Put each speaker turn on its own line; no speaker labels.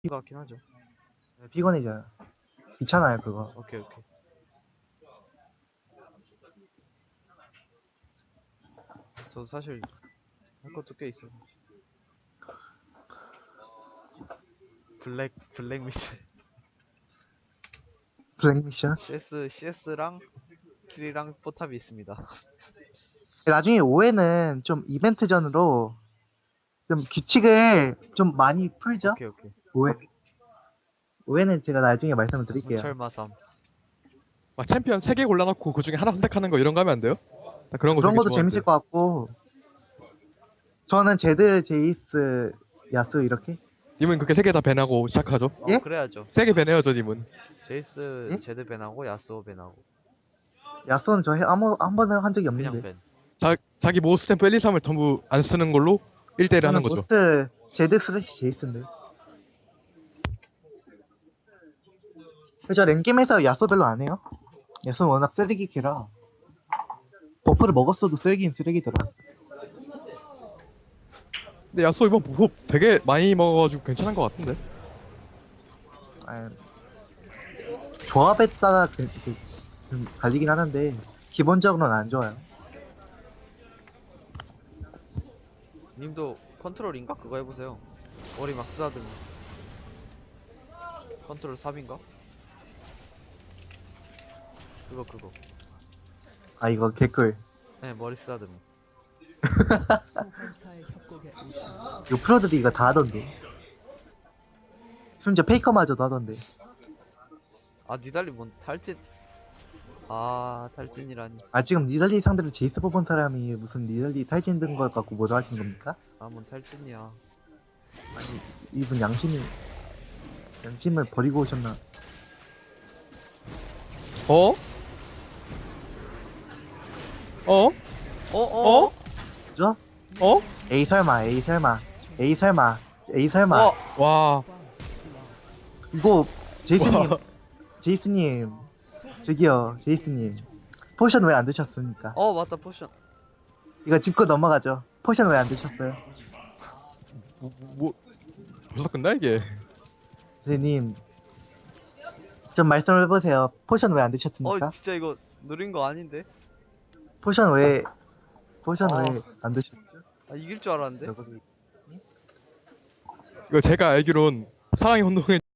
것 같긴 하죠.
피곤해져요. 귀찮아요 그거.
오케이 오케이. 저도 사실 할 것도 꽤 있어서. 블랙 미션.
블랙 미션.
CS랑 킬이랑 포탑이 있습니다.
나중에 5회는 좀 이벤트전으로 좀 규칙을 좀 많이 풀죠.
오케이 오케이.
5회는 제가 나중에 말씀을 드릴게요.
철마삼.
막 챔피언 3개 골라놓고 그 중에 하나 선택하는 거 이런 거 하면 안 돼요? 나 그런 거
그런
되게
것도
좋아하는데.
재밌을 것 같고, 저는 제드, 제이스, 야수 이렇게.
님은 그렇게 3개 다 밴하고 시작하죠?
예?
그래야죠.
3개 밴해야죠 님은.
제이스
예?
제드 밴하고 야스오 밴하고
야수는 저 한 번은 한 적이
그냥
없는데.
밴.
자기 모스 스탬프 1, 2, 3을 전부 안 쓰는 걸로 1대1 하는
저는
거죠.
모스트 제드 슬래시 제이스인데. 저 랭겜에서 야수 별로 안 해요. 야수는 워낙 쓰레기 캐라. 버프를 먹었어도 쓰레기는 쓰레기더라.
근데 야수 이번 버프 되게 많이 먹어가지고 괜찮은 것 같은데.
아, 조합에 따라 좀 갈리긴 하는데 기본적으로는 안 좋아요.
님도 컨트롤인가? 그거 해보세요. 머리 막 쓰다듬어. 컨트롤 3인가? 그거.
아 이거 개꿀.
네, 머리 쓰다듬어.
요 프로들이 이거 다 하던데. 심지어 페이커마저도 하던데.
아, 니달리 뭔 탈진. 아, 탈진이라니.
아 지금 니달리 상대로 제이스 뽑은 사람이 무슨 니달리 탈진 든 것 갖고 뭐라 하시는 겁니까?
아, 뭔 탈진이야.
아니 이분 양심을 버리고 오셨나?
어? 어?
어?
그죠?
어?
에이 설마
어?
와.
이거 제이스님
와.
제이스님 저기요 제이스님 포션 왜 안 드셨습니까?
어, 맞다, 포션.
이거 짚고 넘어가죠. 포션 왜 안 드셨어요?
뭐 벌써 끝나 이게?
제이님 좀 말씀을 해보세요. 포션 왜 안
어,
드셨습니까?
진짜 이거 누린 거 아닌데?
포션 왜
아.
안 드셨죠?
아, 이길 줄 알았는데?
여기
이거 제가 알기론 사랑의 혼동에